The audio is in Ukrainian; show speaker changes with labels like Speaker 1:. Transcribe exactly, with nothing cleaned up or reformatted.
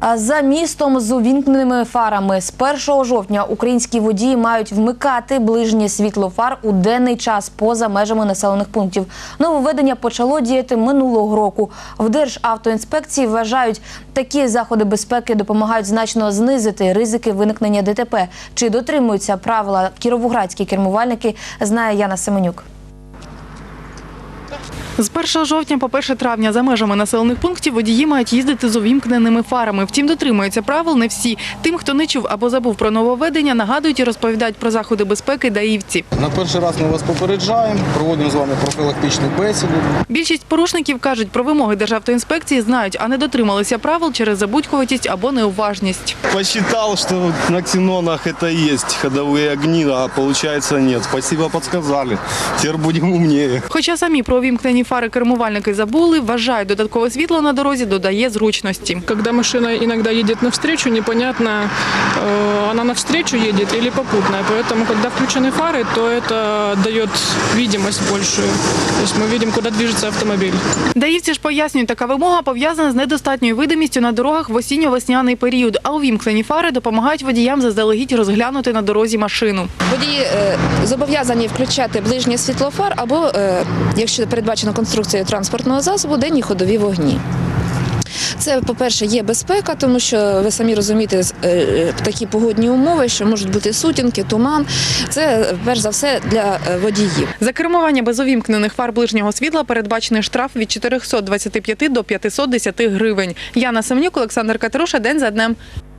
Speaker 1: За містом з увімкненими фарами з першого жовтня українські водії мають вмикати ближнє світло фар у денний час поза межами населених пунктів. Нововведення почало діяти минулого року. В Державтоінспекції вважають, такі заходи безпеки допомагають значно знизити ризики виникнення ДТП. Чи дотримуються правила кіровоградські кермувальники, знає Яна Семенюк.
Speaker 2: З першого жовтня по перше травня за межами населених пунктів водії мають їздити з увімкненими фарами. Втім, дотримуються правил не всі. Тим, хто не чув або забув про нововведення, нагадують і розповідають про заходи безпеки даївці.
Speaker 3: На перший раз ми вас попереджаємо, проводимо з вами профілактичну бесіду.
Speaker 2: Більшість порушників, кажуть, про вимоги Державтоінспекції знають, а не дотрималися правил через забудькуватість або неуважність.
Speaker 4: Посчитал, что на ксенонах это есть ходовые огни, а получается нет. Спасибо, подсказали. Теперь будем умнее.
Speaker 2: Хоча самі про увімкнені фари кермувальники забули, вважають, додаткове світло на дорозі додає зручності.
Speaker 5: Когда машина иногда едет навстречу, непонятно, э, она навстречу едет или попутная. Поэтому, когда включены фары, то это дает видимость большую. То есть мы видим, куда движется автомобиль.
Speaker 2: Даївці ж пояснюють, така вимога пов'язана з недостатньою видимістю на дорогах в осінньо-весняний період, а увімкнені фари допомагають водіям заздалегідь розглянути на дорозі машину.
Speaker 6: Водії е, зобов'язані включати ближнє світло фар або, е, якщо передбачено конструкцією транспортного засобу, денні ходові вогні. Це, по-перше, є безпека, тому що, ви самі розумієте, е, такі погодні умови, що можуть бути сутінки, туман. Це, перш за все, для водіїв.
Speaker 2: За кермування без увімкнених фар ближнього світла передбачений штраф від чотирьохсот двадцяти п'яти до п'ятисот десяти гривень. Яна Семенюк, Олександр Катеруша. День за днем.